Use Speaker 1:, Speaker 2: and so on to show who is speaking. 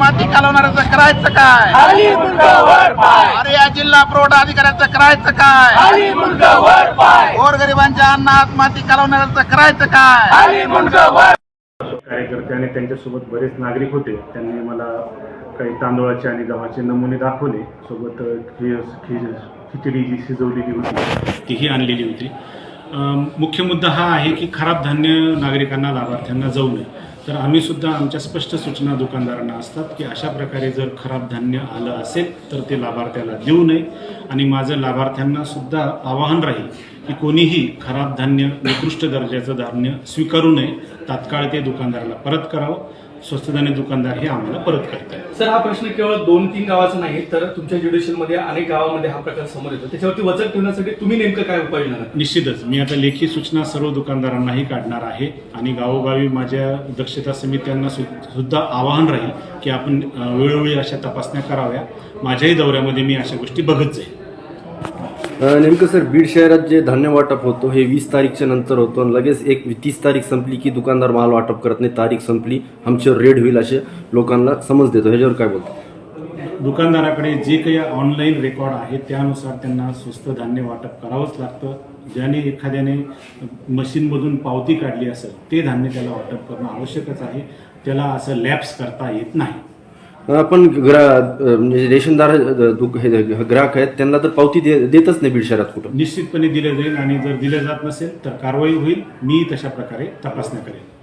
Speaker 1: माती कालवणाऱ्याचं करायचं काय? अरे या जिल्हा पुरवठा अधिकाऱ्याचं करायचं काय? गोरगरिबांच्या अन्नात माती कालवणाऱ्याचं करायचं काय?
Speaker 2: कार्यकर्ते आणि त्यांच्यासोबत बरेच नागरिक होते. त्यांनी मला काही तांदूळाचे आणि गव्हाचे नमुने दाखवले. सोबत खिचडी जी शिजवलेली होती तीही आणलेली होती. मुख्य मुद्दा हा आहे की खराब धान्य नागरिकांना लाभार्थ्यांना जाऊ नये. तर आम्ही सुद्धा आमच्या स्पष्ट सूचना दुकानदारांना असतात की अशा प्रकारे जर खराब धान्य आलं असेल तर ते लाभार्थ्याला देऊ नये. आणि माझं लाभार्थ्यांना सुद्धा आवाहन राहील की कोणीही खराब धान्य निकृष्ट दर्जाचं धान्य स्वीकारू नये. तात्काळ ते दुकानदाराला परत करावं. स्वस्त धान्य दुकानदार हे आम्हाला परत करतात.
Speaker 3: सर, हा प्रश्न केवळ 2-3 गावाचा नाही तर तुमच्या ज्युडिशियलमध्ये अनेक गावामध्ये हा प्रकार समोर येतो. त्याच्यावरती वचक ठेवण्यासाठी तुम्ही नेमकं काय उपाययोजना करता?
Speaker 2: निश्चितच मी आता लेखी सूचना सर्व दुकानदारांनाही काढणार आहे आणि गावोगावी माझ्या दक्षता समित्यांना सुद्धा आवाहन राहील की आपण वेळोवेळी अशा तपासण्या कराव्या. माझ्याही दौऱ्यामध्ये मी अशा गोष्टी बघत जाईल.
Speaker 4: नेमकं सर, बीड शहरात जे धान्य वाटप होतो हे 20 तारीखच्या नंतर होतो आणि लगेच 30 तारीख संपली की दुकानदार माल वाटप करत नाही. तारीख संपली, आमच्यावर रेड होईल असे लोकांना समज देतो. ह्याच्यावर काय बोलतो?
Speaker 2: दुकानदाराकडे जे काही ऑनलाईन रेकॉर्ड आहे त्यानुसार त्यांना स्वस्त धान्य वाटप करावंच लागतं. ज्याने एखाद्याने मशीनमधून पावती काढली असेल ते धान्य त्याला वाटप करणं आवश्यकच आहे. त्याला असं लॅप्स करता येत नाही.
Speaker 4: आपण म्हणजे रेशनदार ग्राहक आहेत त्यांना तर पावती देतच नाही बीड शहरात कुठं.
Speaker 2: निश्चितपणे दिलं जाईल आणि जर दिलं जात नसेल तर कारवाई होईल. मी तशा प्रकारे तपासण्या करेन.